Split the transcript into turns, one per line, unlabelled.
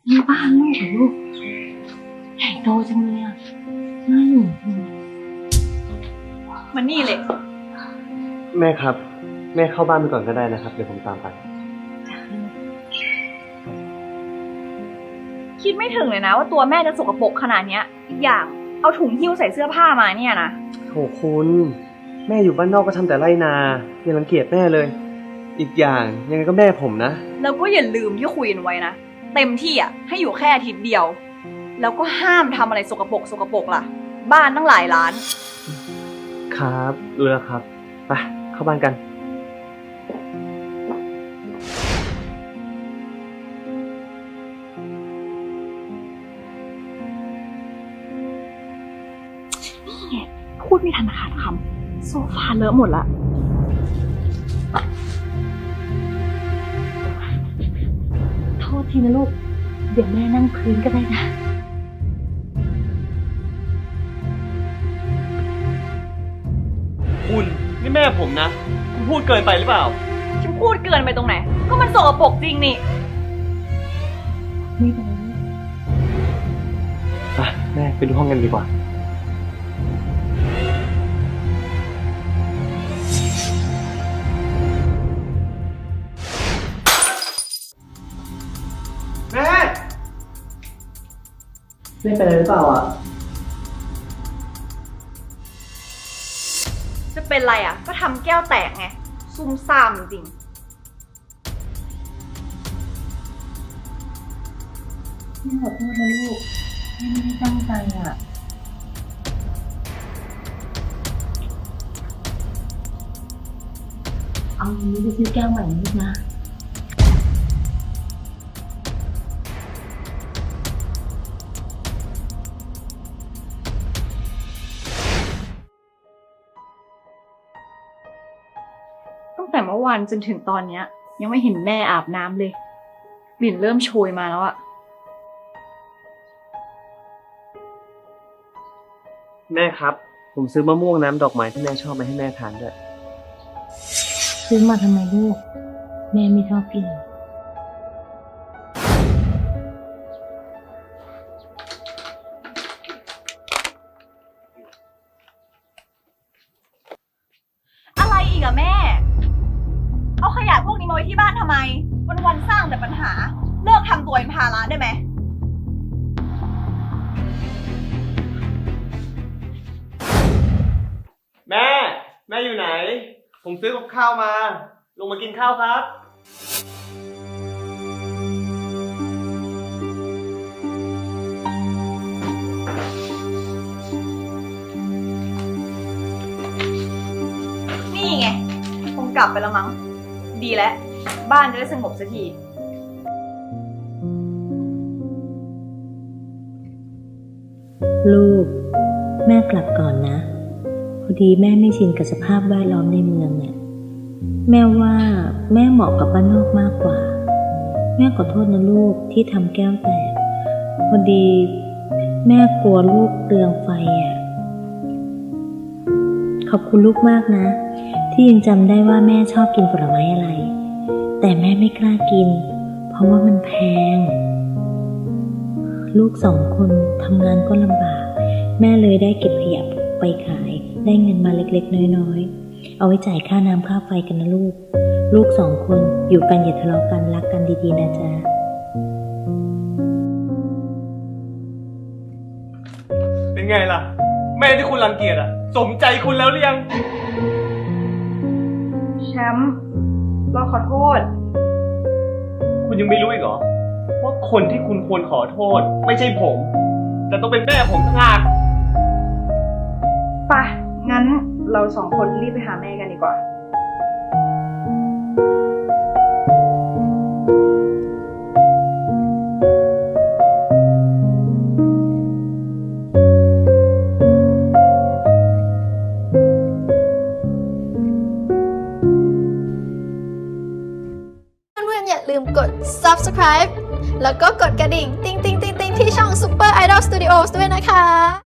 นี่บ้านลูกเหรอลูกใหญ่โตจังเลยอ่ะน่าอยู่
มันนี่เลย
แม่ครับแม่เข้าบ้านไปก่อนก็ได้นะครับเดี๋ยวผมตามไป
คิดไม่ถึงเลยนะว่าตัวแม่จะสกปรกขนาดนี้อีกอย่างเอาถุงหิ้วใส่เสื้อผ้ามาเนี่ยนะ
โถคุณแม่อยู่บ้านนอกก็ทำแต่ไร่นาอย่ารังเกียจแม่เลยอีกอย่างยังไงก็แม่ผมนะ
แล้วก็อย่าลืมที่คุยกันไว้นะเต็มที่อ่ะให้อยู่แค่อาทิตย์เดียวแล้วก็ห้ามทำอะไรสกปรกล่ะบ้านตั้งหลายล้าน
ครับรู้แล้วครับไปเข้าบ้านกัน
พูดไม่ทันขาดคำโซฟาเลอะหมดละ
โทษทีนะลูกเดี๋ยวแม่นั่งพื้นก็ได้นะ
คุณนี่แม่ผมนะคุณพูดเกินไปหรือเปล่า
ฉันพูดเกินไปตรงไหนก็มันสกปรกจริงนี่
ไม่เป็นไร
แม่ไปดูห้องกันดีกว่าแม่เป็นอะไรหรือเปล่าอ่ะ
จะเป็นไรอ่ะก็ทำแก้วแตกไงซุ่มซ่ามจริง
แม่ขอโทษนะลูกแม่ไม่ได้ตั้งใจอ่ะเอาอันนี้ไปซื้อแก้วใหม่นะลูกนะ
ตั้งแต่เมื่อวานจนถึงตอนเนี้ยยังไม่เห็นแม่อาบน้ำเลยกลิ่นเริ่มโชยมาแล้วอะ
แม่ครับผมซื้อมะม่วงน้ำดอกไม้ที่แม่ชอบมาให้แม่ทานด้วย
ซื้อมาทำไมลูกแม่ไม่ชอบกิน
อะไรอีกอะแม่เอาขยะพวกนี้มาไว้ที่บ้านทำไมวันๆสร้างแต่ปัญหาเลิกทำตัวเป็นภาระได้ไหม
แม่อยู่ไหนผมซื้อกับข้าวมาลงมากินข้าวครับ
นี่ไงคงกลับไปแล้วมั้งดีแล้วบ้านจะได้สงบสักที
ลูกแม่กลับก่อนนะพอดีแม่ไม่ชินกับสภาพแวดล้อมในเมืองเนี่ยแม่ว่าแม่เหมาะกับบ้านนอกมากกว่าแม่ขอโทษนะลูกที่ทำแก้วแตกพอดีแม่กลัวลูกเปลืองไฟอ่ะขอบคุณลูกมากนะที่ยังจำได้ว่าแม่ชอบกินผลไม้อะไรแต่แม่ไม่กล้ากินเพราะว่ามันแพงลูก2 คนทำงานก็ลำบากแม่เลยได้เก็บขยะไปขายได้เงินมาเล็กๆน้อยๆเอาไว้จ่ายค่าน้ำค่าไฟกันนะลูก2 คนอยู่กันอย่าทะเลาะกันรักกันดีๆนะจ๊ะ
เป็นไงล่ะแม่ที่คุณรังเกียจอะสมใจคุณแล้วหรือยัง
แชมป์เราขอโทษ
คุณยังไม่รู้อีกเหรอว่าคนที่คุณควรขอโทษไม่ใช่ผมแต่ต้องเป็นแม่ผมต่างหาก
ไปงั้นเรา2 คนรีบไปหาแม่กันดีกว่า
อย่าลืมกด subscribe แล้วก็กดกระดิ่งติ๊งๆๆๆที่ช่อง Super Idol Studios ด้วยนะคะ